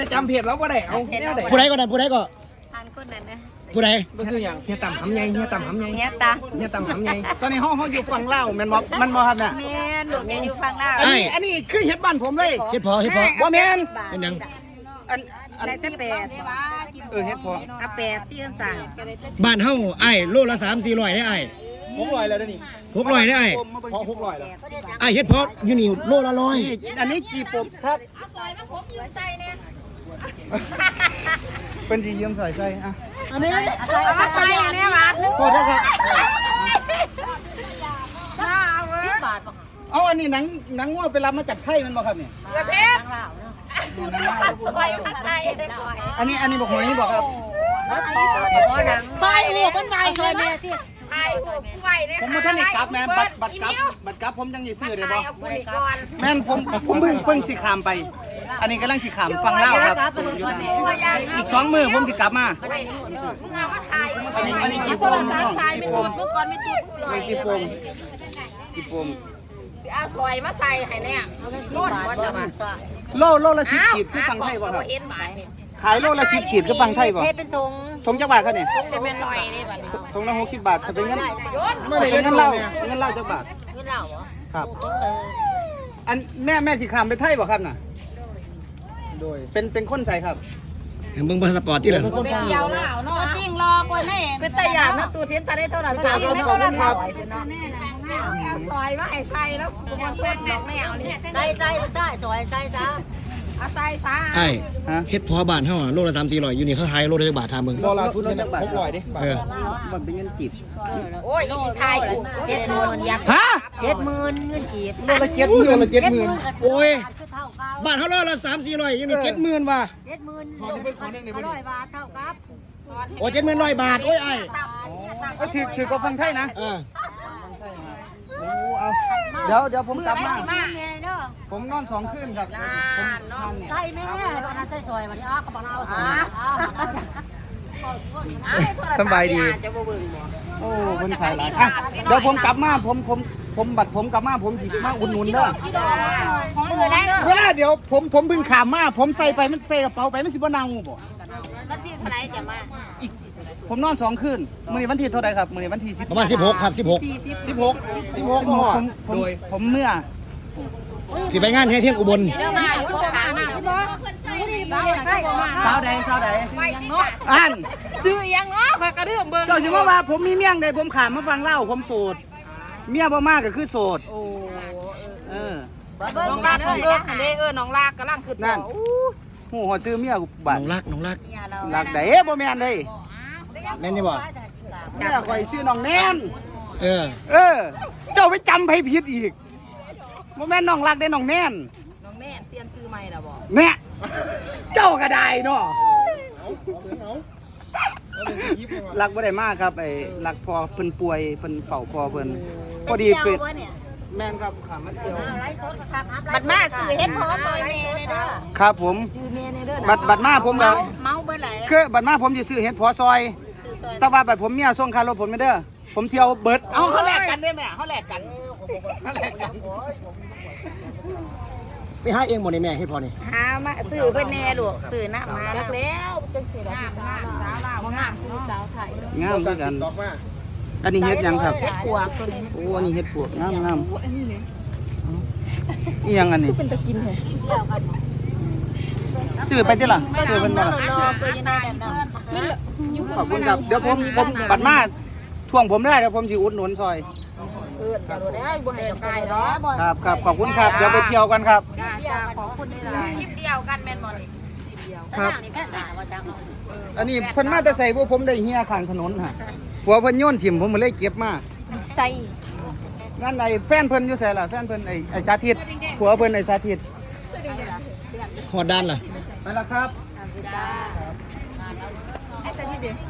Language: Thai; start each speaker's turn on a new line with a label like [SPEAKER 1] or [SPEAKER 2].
[SPEAKER 1] จำเพจแล้วก็ได้เอาแนวไหน
[SPEAKER 2] ผู้ใดก็นั่นผู้ใดก็
[SPEAKER 3] ทานคนนั้นนะ
[SPEAKER 2] ผู้ใด
[SPEAKER 1] ก็คืออย่างเฮียต่ำหำไงเฮียต่ำหำไง
[SPEAKER 3] เนี้ยตา
[SPEAKER 1] เฮียต่ำหำไง
[SPEAKER 4] ตอนนี้เขาอยู่ฝั่งลาวแม่นบ่มันบ่ครับเนี่ย
[SPEAKER 3] แม่หนูแกอยู่ฟังหน้า
[SPEAKER 4] อันนี้คือเฮ็ดบ้านผมเลย
[SPEAKER 2] เฮ็ดพอ
[SPEAKER 4] บ่แม่น
[SPEAKER 2] เป็นหยัง
[SPEAKER 4] อัน
[SPEAKER 3] ได้แต่แปด
[SPEAKER 4] เฮ็ดพอ
[SPEAKER 3] อ่ะแปดที่กันสั่ง
[SPEAKER 2] บ้านเฮาไอ้โลละ3-400ได้ไอ้
[SPEAKER 4] 600แล้วเด้อนี่
[SPEAKER 2] 600ได้ไอ้
[SPEAKER 4] พอ600แล้ว
[SPEAKER 2] ไอ้เฮ็ดพออยู่นี่โลละ100
[SPEAKER 4] นี่อันนี้กี่ปมครับเป็นสิยืมใส่อ่ะ
[SPEAKER 3] อันนี้เอามาใส่อันนี้มา
[SPEAKER 4] โทษนะครับ
[SPEAKER 3] 10 บาทป่ะ
[SPEAKER 4] เอาอันนี้หนังงัวไปรับมาจากไทยมันบ่ครับนี่
[SPEAKER 3] เงินเพชรสบายผัดไทยได้ก่อน
[SPEAKER 4] อันนี้บ่หอยบ่ครับ
[SPEAKER 3] ไปหูเป็นไงช่วยแม่ที่ไปหูไหวเลย
[SPEAKER 4] ผมมาท่านได้กลับแม่บัตรกลับผมยังสิซื้อได้บ่
[SPEAKER 3] เอาคุณก่อน
[SPEAKER 4] แม่นผมเพิ่งสิขามไป อันนี้กำลังสิขามฟังเล่าวครับอีก2 มื้อผมสิกลับมาอันนี้กี่ปมน้องกี่ปม
[SPEAKER 3] เมื่อก่อนไม่ตู้
[SPEAKER 4] ไม่กี่ปมกี่ปม
[SPEAKER 3] สิเอาซอยมาใส่ให้เนี่ยโน่นว่าจะมา
[SPEAKER 4] โลละ10ขีดคือฟังไทยบ่ครับ
[SPEAKER 3] เห็นหมายนี่
[SPEAKER 4] ขายโลละ10ขีดคือฟังไทยบ่
[SPEAKER 3] เพชรเป็นธง
[SPEAKER 4] ทงจักบาทครับเนี่ย
[SPEAKER 3] จะเป็นลอยนี่บัดนี้
[SPEAKER 4] ทงละ60 บาทถ้าเป็นเงินไม่ได้เป็นเงินเล่าจักบาท
[SPEAKER 3] เงินเหล่าเหรอ
[SPEAKER 4] ครับ
[SPEAKER 3] โตเลย
[SPEAKER 4] อันแม่สิขามไปไทยบ่ครับน่ะโดยเป็นคนใส่ครับ
[SPEAKER 2] เบิ่งพาสปอร์ตที่ล่ะ
[SPEAKER 3] เป็นเดียวเหล่าเนาะจริงรอคนให้เป็นตะยานนะตูเทียนตาได้เท่าไหร่ตาได้เท่าไหร่ครับเอาซอยมาให้ใส่แล้วกูมาช่วยดอกแนวนี่ใส่ซอยใส่จ้าเอาใส่ซะ
[SPEAKER 2] ไอ้เฮ็ดพอบ้านเฮาโลละ3-400อยู่นี่เขาขายโลละจักบาทถามเบิ่ง
[SPEAKER 4] โลละสุดจักบาท600ดิ
[SPEAKER 2] เออ
[SPEAKER 4] มันเป็นเงินกีบ
[SPEAKER 3] โอ้ยอีสิไทย70,000ยักษ์
[SPEAKER 4] ฮะ
[SPEAKER 3] 70,000เงินกีบ
[SPEAKER 4] โลละ70,000
[SPEAKER 2] โอ้ยบ้านเฮาโลละ3-400อยู่นี่70,000ว่ะ
[SPEAKER 3] 70,000100 บาทเท่ากับ
[SPEAKER 2] โอ้7,100 บาทโอ้ยไอ้
[SPEAKER 4] ก็ถือก็ฟังไทยนะ
[SPEAKER 2] เออ
[SPEAKER 4] โอ้เอาเดี๋ยวผมกลับมา
[SPEAKER 3] แม่เด้อ
[SPEAKER 4] ผมนอน2 คืนครับผมนอนเนี่ย
[SPEAKER 3] ใส่แม่ตอนนั้นใส่ซอยมาดิอ้าก็บอกเอาซอย
[SPEAKER 4] สบายดี
[SPEAKER 3] จะบ่เบิ่งบ่
[SPEAKER 4] โอ้คนขายหลายอ่ะเดี๋ยวผมกลับมาผมบัตรผมกลับมาผมสิมาอุดหนุนเด้อ
[SPEAKER 3] มือแรก
[SPEAKER 4] เวลาเดี๋ยวผมเพิ่งขามมาผมใส่ไปมันใส่กระเป๋าไปมันสิบ่เน่าบ่
[SPEAKER 3] วันที่เท่าไหร่จะมา
[SPEAKER 4] อีกผมนอน2 คืนมื้อนี้วันที่เท่าไหร่ครับมื้อนี้วันที่10
[SPEAKER 2] ประมาณ16ครับ16
[SPEAKER 4] ผมเมื่อ
[SPEAKER 2] สิไปงานให้เที่ยงอุบล
[SPEAKER 3] เดี๋ยวมาอยู่ข้างหน้าพี่บ่นี่บ่ใช่บ่
[SPEAKER 4] สาวใดอัน
[SPEAKER 3] ซื้ออีหยังเนาะข่อยก็เรื่องเบิ่ง
[SPEAKER 4] เจ้าสิว่าผมมีเมียงใดผมขามมาฟังเล่าผมโสดเมียบ่มากก็คือโสดเออ
[SPEAKER 3] น้องลากเด้อคันเด้น้องลากกำลังขึ้น
[SPEAKER 4] นั่นหูหอดซื้อเมียกูบั
[SPEAKER 2] น้
[SPEAKER 4] ด
[SPEAKER 2] องรัก
[SPEAKER 4] รักใดบ่แม่นเด้
[SPEAKER 2] แม่นนี่บ่
[SPEAKER 4] เมียข่อยซื้อน้องแนน
[SPEAKER 2] เออ
[SPEAKER 4] เจ้าไปจำไผผิดอีกบ่แม่นน้องรักได้น้องแนน
[SPEAKER 3] น้องแม่เปลี่ยนซื้อใหม่ล่ะบ่
[SPEAKER 4] แน่เจ้าก็ได้เนาะรักบ่ได้มากครับไอ้รักพอเพิ่นป่วยเพิ่นเฝ้าพอเพิ่นพอดีเป็นแม่นครับขามาเที่ยว
[SPEAKER 3] บัดมาซื้อเฮ็ดพอซอยแม่เลยเด้อ
[SPEAKER 4] ครับผม
[SPEAKER 3] ซื้อแม่ในเด้อ
[SPEAKER 4] บัดมาผมก็
[SPEAKER 3] เมาเบิดไหล
[SPEAKER 4] คือบัดมาผมสิซื้อเห็ดพอซอย แต่ว่าบัดผมเมียส่งค่ารถผมไม่เด้อผมเที่ยวเบิดเอาเขาแลกกันได้แม่เขาแลกกัน
[SPEAKER 2] ไปหาเองบ่ได้แม่เฮ็ดพอนี่
[SPEAKER 3] หามาซื้อเพิ่นแน่ลูกซื้อน้ำมาจักแล้วจังซี่ล่ะสาวลาวงามคือสาวไทย
[SPEAKER 4] งามคือกันอันนี้เห็ดหยังครับ
[SPEAKER 3] ปวกตัวนี้
[SPEAKER 4] โอ้อันนี้เห็ดปวกงามอีหยังอันนี้
[SPEAKER 3] เป็นตะกินเหรอ
[SPEAKER 4] ซื้อไปติล่ะซื้อเพิ่นบ่ล่ะ
[SPEAKER 3] รอเปิดยังไงกันเนาะ
[SPEAKER 4] ขอบคุณครับเดี๋ยวผมบัดมาทวงผมได้เดี๋ยวผมสิอุดหนุนซอย
[SPEAKER 3] จะรู้ได้บ่ให้กายเนาะ
[SPEAKER 4] ครับขอบคุณครับเดี๋ยวไปเที่ยวกันครับ
[SPEAKER 3] จ้าของคุณนี่ล่ะคลิปเดียวกันแม่นบ่นี่
[SPEAKER 4] ครับอันนี้เพิ่นมาแต่ใส่พวกผมได้เฮียข้างถนนฮะผัวเพิ่นโยนถิ่มผมเลยเก็บมา
[SPEAKER 3] ใส่
[SPEAKER 4] นั่นไอ้แฟนเพิ่นอยู่ไสล่ะแฟนเพิ่นไอ้สาธิตผัวเพิ่นไอ้สาธิต
[SPEAKER 2] ฮอดด้านล่ะ
[SPEAKER 4] ไปแล้วครับ